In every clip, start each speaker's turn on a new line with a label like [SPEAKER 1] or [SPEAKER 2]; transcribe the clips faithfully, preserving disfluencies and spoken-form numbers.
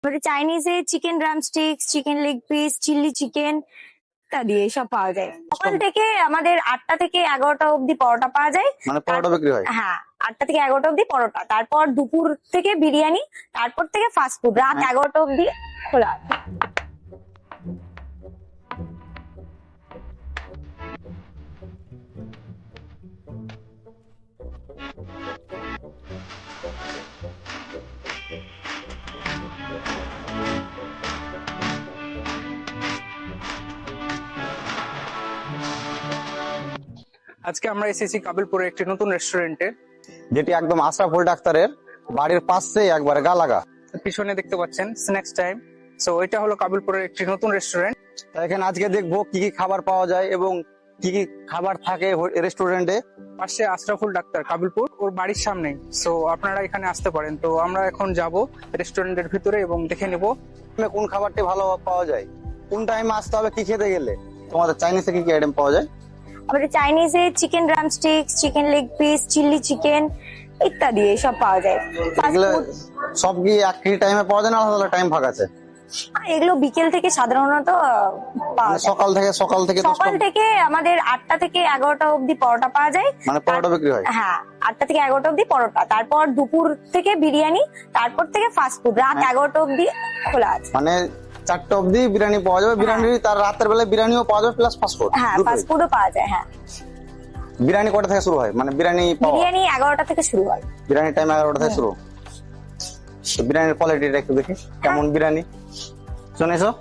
[SPEAKER 1] আমাদের চাইনিজে chicken drumsticks, chicken leg piece, chilli chicken ইত্যাদি এসব পাওয়া যায়। সকাল থেকে আমাদের আটটা থেকে এগারোটা অবধি পরোটা পাওয়া যায়।
[SPEAKER 2] মানে পরোটা বিক্রি হয়?
[SPEAKER 1] হ্যাঁ, আটটা থেকে এগারোটা অবধি পরোটা, তারপর দুপুর থেকে বিরিয়ানি, তারপর থেকে ফাস্ট ফুড, রাত এগারোটা অবধি খোলা আছে।
[SPEAKER 3] আজকে আমরা এসেছি কাবিলপুরের একটি নতুন রেস্টুরেন্টে,
[SPEAKER 2] যেটি একদম আশরাফুল ডাক্তারের বাড়ির পাশেই একবারে গা লাগা।
[SPEAKER 3] পিছনে দেখতে পাচ্ছেন স্ন্যাক্স টাইম। সো এটা হলো কাবিলপুরের একটি নতুন রেস্টুরেন্ট।
[SPEAKER 2] তাই এখানে আজকে দেখবো কি কি খাবার পাওয়া যায় এবং কি কি খাবার থাকে রেস্টুরেন্টে।
[SPEAKER 3] পাশে আশরাফুল ডাক্তার কাবিলপুর, ওর বাড়ির সামনেই। সো আপনারা এখানে আসতে পারেন। তো আমরা এখন যাব রেস্টুরেন্টের ভিতরে এবং দেখে নেব
[SPEAKER 2] কোন খাবারটি ভালো পাওয়া যায়, কোন টাইমে আসতে হবে, কি খেতে গেলে। তোমাদের চাইনিজে কি কি আইটেম পাওয়া যায়?
[SPEAKER 1] আমাদের চাইনিজে chicken drumsticks, chicken leg piece, chilli chicken ইত্যাদি এসব পাওয়া যায়। ফাস্ট
[SPEAKER 2] এগুলো
[SPEAKER 1] ফুড
[SPEAKER 2] সব কি একই টাইমে পাওয়া যায় না আলাদা টাইম ভাগ আছে?
[SPEAKER 1] এগুলো বিকেল থেকে সাধারণত পাওয়া যায়।
[SPEAKER 2] সকাল থেকে সকাল থেকে দশটা
[SPEAKER 1] সকাল থেকে আমাদের আটটা থেকে এগারোটা অবধি পরোটা পাওয়া যায়।
[SPEAKER 2] মানে পরোটা বিক্রি হয়?
[SPEAKER 1] হ্যাঁ, আটটা থেকে এগারোটা অবধি পরোটা, তারপর দুপুর থেকে বিরিয়ানি, তারপর থেকে ফাস্ট ফুড, রাত এগারোটা অবধি খোলা আছে।
[SPEAKER 2] মানে চারটা অবধি বিরিয়ানি পাওয়া যাবে। বিরিয়ানি তার রাতের বেলায় বিরিয়ানিও পাওয়া যাবে প্লাস ফাস্ট ফুড।
[SPEAKER 1] হ্যাঁ, ফাস্ট ফুডও পাওয়া যায়। হ্যাঁ,
[SPEAKER 2] বিরিয়ানি কটা থেকে শুরু হয়? মানে বিরিয়ানি পাওয়া
[SPEAKER 1] বিরিয়ানি এগারোটা থেকে শুরু হয়।
[SPEAKER 2] বিরিয়ানি টাইম এগারোটা থেকে শুরু। তো বিরিয়ানির কোয়ালিটিটা একটু দেখি কেমন বিরিয়ানি। শুনে এসো।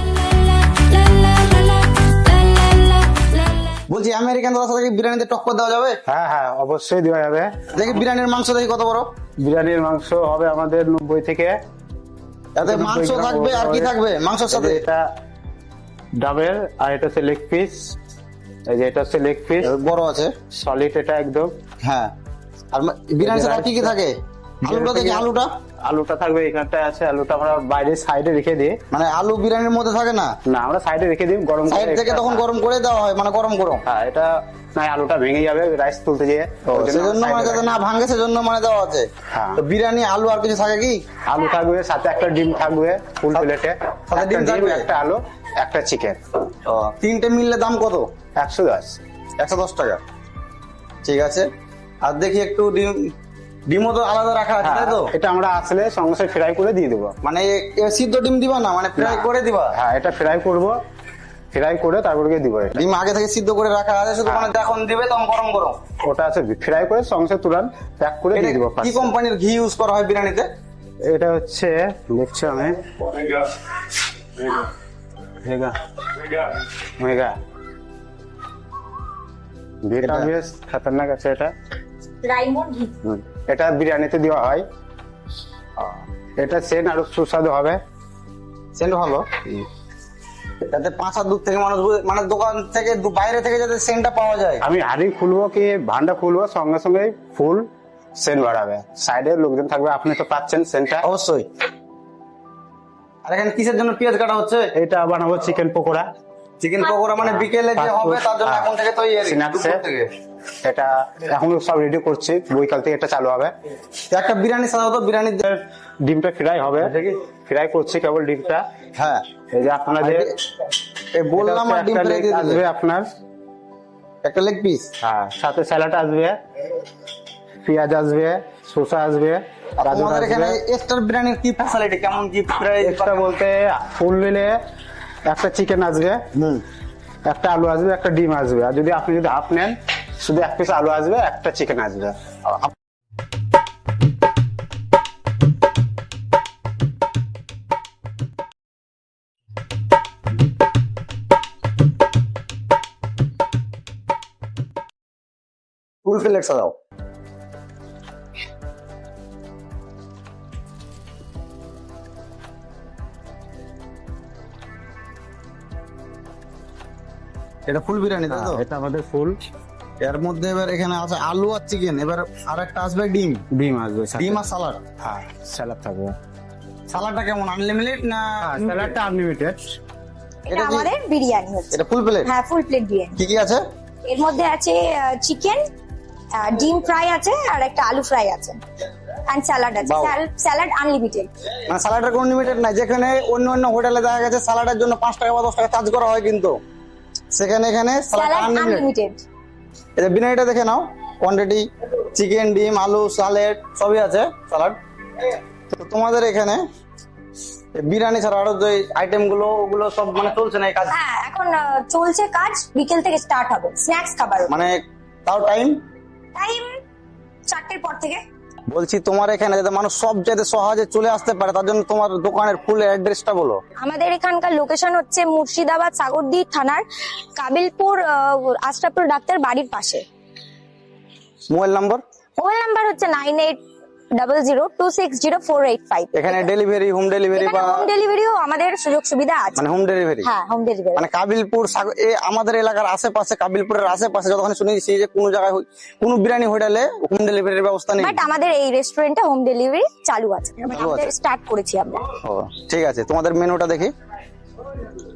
[SPEAKER 2] বলছি আমেরিকান দাদার সাথে কি বিরিয়ানিতে টক্কর দেওয়া যাবে?
[SPEAKER 4] হ্যাঁ হ্যাঁ অবশ্যই দেওয়া যাবে।
[SPEAKER 2] দেখি বিরিয়ানির মাংস দেখি কত বড়।
[SPEAKER 4] বিরিয়ানির মাংস হবে আমাদের নব্বই থেকে।
[SPEAKER 2] এতে মাংস থাকবে আর কি থাকবে মাংসের সাথে?
[SPEAKER 4] এটা ডাবের, আর এটা হচ্ছে লেগ পিস। এই যে এটা হচ্ছে লেগ পিস,
[SPEAKER 2] বড় আছে
[SPEAKER 4] সলিড এটা একদম।
[SPEAKER 2] হ্যাঁ, আর বিরিয়ানির সাথে আর কি কি থাকে? আলুটা দেখি, আলুটা
[SPEAKER 4] আলুটা থাকবে এখানটায় আছে। আলুটা আমরা বাইরে সাইডে রেখে দিই।
[SPEAKER 2] মানে আলু বিরিয়ানির মধ্যে থাকে না?
[SPEAKER 4] না, আমরা সাইডে রেখে দিই গরম করে।
[SPEAKER 2] সাইড থেকে তখন গরম করে দেওয়া হয়, মানে গরম গরম।
[SPEAKER 4] হ্যাঁ, এটা না আলুটা ভেঙে যাবে রাইস তুলতে গিয়ে,
[SPEAKER 2] সেজন্য মানে যাতে না ভাঙে সেজন্য মানে দেওয়া আছে।
[SPEAKER 4] হ্যাঁ।
[SPEAKER 2] তো বিরিয়ানি আলু আর কিছু থাকে কি?
[SPEAKER 4] আলু থাকবে, সাথে একটা ডিম থাকবে ফুল প্লেটে।
[SPEAKER 2] সাথে ডিম থাকবে,
[SPEAKER 4] একটা আলু, একটা চিকেন।
[SPEAKER 2] তিনটে মিললে দাম কত?
[SPEAKER 4] একশো দশ
[SPEAKER 2] একশো দশ টাকা। ঠিক আছে। আর দেখি একটু ডিম, ডিমও তো আলাদা রাখা আছে তাই তো?
[SPEAKER 4] এটা আমরা আসলে সঙ্গে সঙ্গে ফ্রাই করে দিয়ে দেবো।
[SPEAKER 2] মানে এ সিদ্ধ ডিম দিবা না, মানে ফ্রাই করে দিবা?
[SPEAKER 4] হ্যাঁ, এটা ফ্রাই করবো, ফ্রাই করে তারপরে দিব।
[SPEAKER 2] ডিম আগে থেকে সিদ্ধ করে রাখা আছে, শুধু মানে যখন দিবে তখন গরম গরম
[SPEAKER 4] ওটা আছে ফ্রাই করে সঙ্গে সঙ্গে তুরান প্যাক করে দিয়ে দিব।
[SPEAKER 2] কি কোম্পানির ঘি ইউজ করা হয় বিরিয়ানিতে?
[SPEAKER 4] এটা হচ্ছে দেখছি আমি মেগা মেগা ঘিটা বেশ খতরনাক আছে এটা।
[SPEAKER 1] রাইমন্ড ঘি।
[SPEAKER 4] হুম, এটা বিরিয়ানিতে দেওয়া হয়। এটা সেন্ট আরো সুস্বাদু হবে।
[SPEAKER 2] সেন্ট ভালো, যাতে পাঁচ হাত দূর থেকে মানুষ বুঝে- মানে দোকান থেকে দু- বাইরে থেকে যাতে সেন্টটা পাওয়া যায়।
[SPEAKER 4] আমি হাড়ি খুলবো কি ভান্ডা খুলবো, সঙ্গে সঙ্গে ফুল সেন্ট বাড়াবে। সাইডে লোকজন থাকবে, আপনি তো পাচ্ছেন সেন্টটা।
[SPEAKER 2] অবশ্যই। আর এখানে কিসের জন্য পেঁয়াজ কাটা হচ্ছে?
[SPEAKER 4] এটা বানাবো চিকেন পকোড়া।
[SPEAKER 2] চিকেন পকোড়া মানে বিকেলে যে হবে তার জন্য এখন থেকে তৈরি, দুপুর থেকে।
[SPEAKER 4] এটা এখন সব রেডি করছি, বৈকাল থেকে এটা চালু হবে।
[SPEAKER 2] একটা বিরিয়ানি সাধারণত বিরিয়ানি
[SPEAKER 4] ডিমটা ফ্রাই হবে, ফ্রাই করছি কেবল ডিমটা।
[SPEAKER 2] হ্যাঁ,
[SPEAKER 4] এই যে আপনাদের
[SPEAKER 2] এই বললাম আর ডিম ফ্রাই দিয়ে
[SPEAKER 4] আসবে
[SPEAKER 2] দিলে
[SPEAKER 4] আপনার
[SPEAKER 2] একটা লেগ পিস।
[SPEAKER 4] হ্যাঁ, সাথে স্যালাড আসবে, পেঁয়াজ আসবে, শসা আসবে, গাজর
[SPEAKER 2] আমাদের এখানে
[SPEAKER 4] আসবে।
[SPEAKER 2] এক্সট্রা বিরিয়ানির কি ফ্যাসিলিটি, কেমন কি প্রাইস?
[SPEAKER 4] এক্সট্রা বলতে ফুল নিলে একটা চিকেন আসবে,
[SPEAKER 2] হুম,
[SPEAKER 4] একটা আলু আসবে, একটা ডিম আসবে। আর যদি আপনি যদি হাফ নেন, শুধু এক পিস আলু আসবে, একটা চিকেন আসবে।
[SPEAKER 2] ফুল প্লেট সাজাও। এটা ফুল বিরিয়ানি তাই তো?
[SPEAKER 4] এটা আমাদের ফুল।
[SPEAKER 2] এর মধ্যে এবার এখানে আছে আলু আর চিকেন, এবার আর একটা আসবে ডিম।
[SPEAKER 4] ডিম আসবে,
[SPEAKER 2] ডিম আর সালাড।
[SPEAKER 4] হ্যাঁ, স্যালাড থাকবে।
[SPEAKER 2] সালাডটা কেমন, আনলিমিটেড না?
[SPEAKER 4] স্যালাডটা আনলিমিটেড।
[SPEAKER 1] এটা
[SPEAKER 2] এটা কি-
[SPEAKER 1] আমাদের বিরিয়ানি হচ্ছে।
[SPEAKER 2] এটা ফুল প্লেট?
[SPEAKER 1] হ্যাঁ, ফুল প্লেট বিরিয়ানি।
[SPEAKER 2] কি কি আছে?
[SPEAKER 1] এর মধ্যে আছে চিকেন, ডিম ফ্রাই আছে, আর একটা আলু ফ্রাই আছে। এন্ড স্যালাড আছে,
[SPEAKER 2] Wow.
[SPEAKER 1] Salad unlimited.
[SPEAKER 2] মানে স্যালাডের কোনো লিমিটেড নাই, যেখানে অন্য অন্য হোটেলে দেখা গেছে স্যালাডের জন্য পাঁচ টাকা বা দশ টাকা চার্জ করা হয়, কিন্তু সেখানে এখানে স্যালাড
[SPEAKER 1] স্যালাড
[SPEAKER 2] আনলিমিটেড।
[SPEAKER 1] আনলিমিটেড।
[SPEAKER 2] এটা বিরিয়ানিটা দেখে নাও, কোয়ান্টিটি চিকেন, ডিম, আলু, স্যালাড সবই আছে, স্যালাড। তো তোমাদের এখানে এই বিরিয়ানি ছাড়া আরো যে আইটেম গুলো ওগুলো সব মানে চলছে না এই কাজ,
[SPEAKER 1] হ্যাঁ এখন আহ, চলছে কাজ, বিকেল থেকে স্টার্ট হবে স্ন্যাক্স খাবার।
[SPEAKER 2] মানে তাও টাইম?
[SPEAKER 1] টাইম চারটের পর থেকে।
[SPEAKER 2] বলছি তোমার এখানে যাতে মানুষ সব যাতে সহজে চলে আসতে পারে তার জন্য তোমার দোকানের ফুল অ্যাড্রেসটা বলো।
[SPEAKER 1] আমাদের এখানকার লোকেশন হচ্ছে মুর্শিদাবাদ সাগরদী থানার কাবিলপুর আহ, আশরাফুল ডাক্তার বাড়ির পাশে।
[SPEAKER 2] Mobile number?
[SPEAKER 1] মোবাইল নাম্বার হচ্ছে nine eight double zero two six zero four eight five.
[SPEAKER 2] এখানে ডেলিভারি, হোম ডেলিভারি বা
[SPEAKER 1] হোম ডেলিভারিও আমাদের সুযোগ সুবিধা আছে।
[SPEAKER 2] মানে হোম ডেলিভারি?
[SPEAKER 1] হ্যাঁ হোম ডেলিভারি।
[SPEAKER 2] মানে কাবিলপুর সাগ- এ আমাদের এলাকার আশেপাশে, কাবিলপুরের আশেপাশে যতক্ষণ শুনেছি যে কোনো জায়গায় হই- কোনো বিরিয়ানি হোটেলে হোম ডেলিভারির ব্যবস্থা নেই।
[SPEAKER 1] বাট আমাদের এই রেস্টুরেন্টে হোম ডেলিভারি চালু আছে,
[SPEAKER 2] চালু আছে।
[SPEAKER 1] স্টার্ট করেছি আমরা।
[SPEAKER 2] ও ঠিক আছে, তোমাদের মেনুটা দেখি।